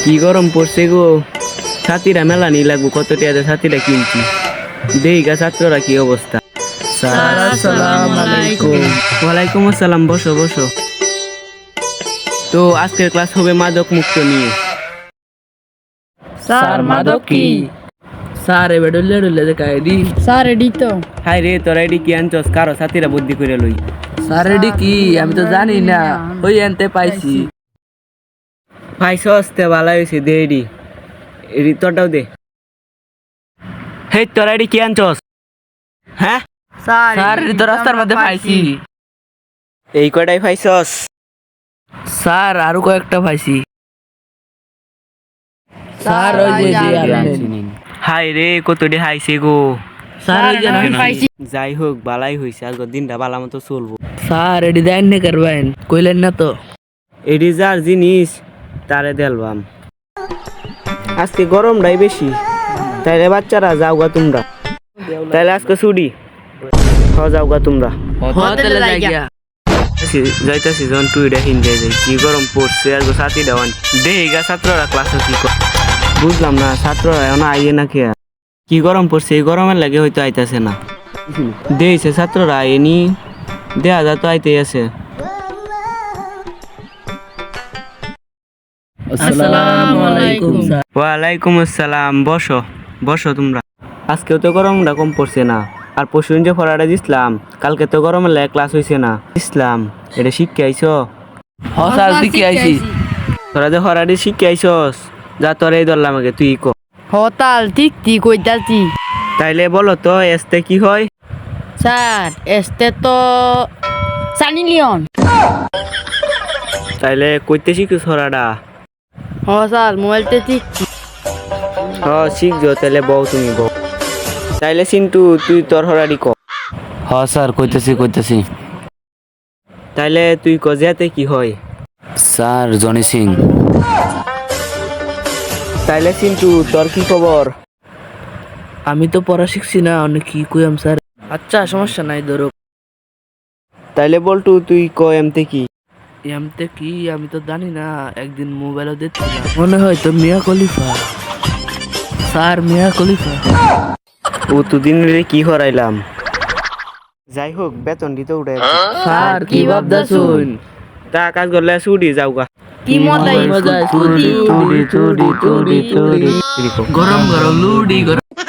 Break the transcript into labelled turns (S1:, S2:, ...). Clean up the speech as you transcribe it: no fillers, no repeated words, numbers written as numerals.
S1: কি গরম পড়ছে গো, ছাতিরা মেলা নি লাগবো, কত টাকা ছাতিরা কিনছি। দেইগা ছাত্ররা কি অবস্থা।
S2: স্যার আসসালামু আলাইকুম।
S1: ওয়ালাইকুম আসসালাম, বসো বসো। তো আজকের ক্লাস হবে মাদক মুক্ত নিয়ে।
S2: স্যার মাদক কি?
S3: স্যার এবার ডলে ডলে দেখা এডি।
S2: স্যার এডি তো।
S1: হাই রে, তোরা এডি কি আনছস? কারো ছাতিরা বুদ্ধি করে লই।
S3: স্যার এডি কি? আমি তো জানি না, ওই আনতে পাইছি।
S1: পাইছস তে ভালো হয়েছে, দে এডি। এডি তোরটাও দে। হেই, তোরা এডি কি আনছস? হ্যাঁ,
S3: স্যার এডি তো রাস্তার মধ্যে পাইছি।
S1: এই কয়টাই পাইছস?
S3: স্যার আরো কয়েকটা পাইছি। স্যার ওই যে
S1: হাই রে, কতটি হাইছে গো।
S3: স্যার ওই যে
S2: পাইছি।
S1: যাই হোক, বালাই হয়েছে, আজকের দিনটা বালা মতো চলবো।
S3: স্যার এডি দেন না করবেন, কইলেন না তো।
S1: এডি যার জিনিস তারে দেলবাম। আজকে গরমটাই বেশি, তাইলে বাচ্চারা যাওগা তোমরা। তাইলে আজকে ছুটি, যাওগা তোমরা।
S3: হোটেলে যাই গিয়া।
S1: যাইতাছি যখন টুইটা হিন্দে যাই, কি গরম পড়ছে। আর সাথী দেওয়ান দেহিগা ছাত্ররা ক্লাসে কি বুঝলাম না, ছাত্ররা এখন আইয়ে না খেয়া। কি গরম পড়ছে, এই গরমের লাগে হয়তো আইতাছে না। দেইছে ছাত্ররা আইনি, দেয়া যা তো আইতেই আছে।
S3: আসসালামু আলাইকুম স্যার।
S1: ওয়ালাইকুম আসসালাম, বসো বসো তোমরা। আজকেও তো গরমটা কম পড়ছে না। আর পরশুদিন যে পড়াটা দিছিলাম, কালকে তো গরমের লাগে ক্লাস হয়েছে না। ইসলাম এটা শিখে আইছো?
S3: হ স্যার শিখে আইছি।
S1: তোরা যে পড়াটি শিখে আইছস, যা তোরা এই ধরলাম আগে, তুই ক।
S2: হতাল ঠিক ঠিক কইতাছি।
S1: তাইলে বলো তো এসতে কি হয়?
S2: স্যার এসতে তো সানি লিওন।
S1: তাইলে কইতে শিখছ পড়াটা?
S2: হ স্যার মোবাইলতে ঠিক।
S1: শিখছো, তাইলে বউ তুমি বউ। তাইলে চিন্টু তুই তোর পড়াটি ক।
S3: হ স্যার কইতেছি।
S1: তাইলে তুই ক, যেতে কি হয়?
S3: স্যার জনি সিং।
S1: তাইলে চিন্টু তোর কি খবর?
S3: আমি তো পড়া শিখছি না, অনেক কি কইম স্যার। আচ্ছা সমস্যা নাই ধরো।
S1: তাইলে বলটু তুই ক, এমতে কি?
S3: এমতে কি আমি তো জানি না, একদিন মোবাইলে দেখছিলাম, মনে হয় তো মিয়া খলিফা। স্যার মিয়া খলিফা।
S1: ও দুদিন কি হরাইলাম। যাই হোক, বেতন দিতে উঠে।
S3: স্যার কি ভাবদাছুন?
S1: তা কাজ করলে ছুটি যাওগা।
S2: কি মজা
S3: মজা, চুরি চুরি চুরি চুরি চুরি, গরম গরম লুডি গরম।